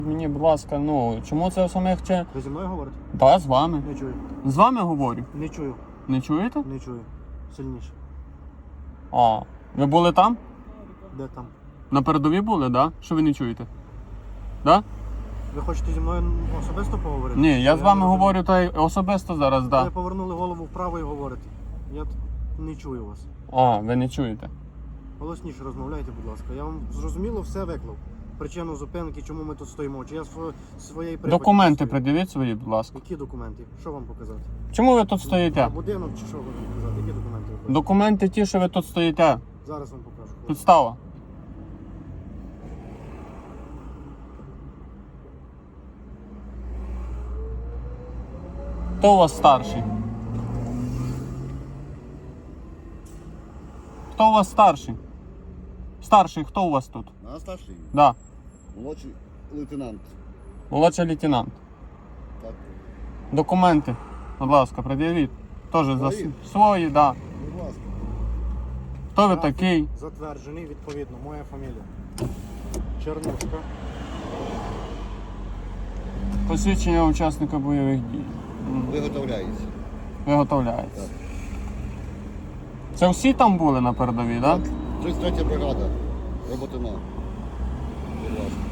Мені, будь ласка, ну, чому це самих чи... Ви зі мною говорите? Так, з вами. Не чую. З вами говорю. Не чую. Не чуєте? Не чую. Сильніше. А, ви були там? Де там? На передовій були, да? Що ви не чуєте? Да? Ви хочете зі мною особисто поговорити? Ні, я з вами не розумію. говорю та й особисто зараз, Ви да. повернули голову вправо і говорите. Я не чую вас. А, ви не чуєте. Голосніше розмовляйте, будь ласка. Я вам зрозуміло все виклав. Причину зупинки, чому ми тут стоїмо. Чи я своєї припаді Документи стою? пред'явіть свої, будь ласка. Які документи? Що вам показати? Чому ви тут стоїте? Будинок чи що вам показати? Які документи ви хочете? Документи ті, що ви тут стоїте. Зараз вам покажу. Підстава. Хто у вас старший? Хто у вас старший? Старший, хто у вас тут? А старший? Да. Молодший лейтенант. Молодший лейтенант. Так. Документи, будь ласка, пред'явіть. Теж за Свої? свої, да. Будь ласка. Хто ви Графік такий? Затверджений, відповідно, моя фамілія. Чернушка. Посвідчення учасника бойових дій. Виготовляється. Виготовляється. Так. Це всі там були на передовій, так? Да? 33 бригада. Роботина. Будь ласка.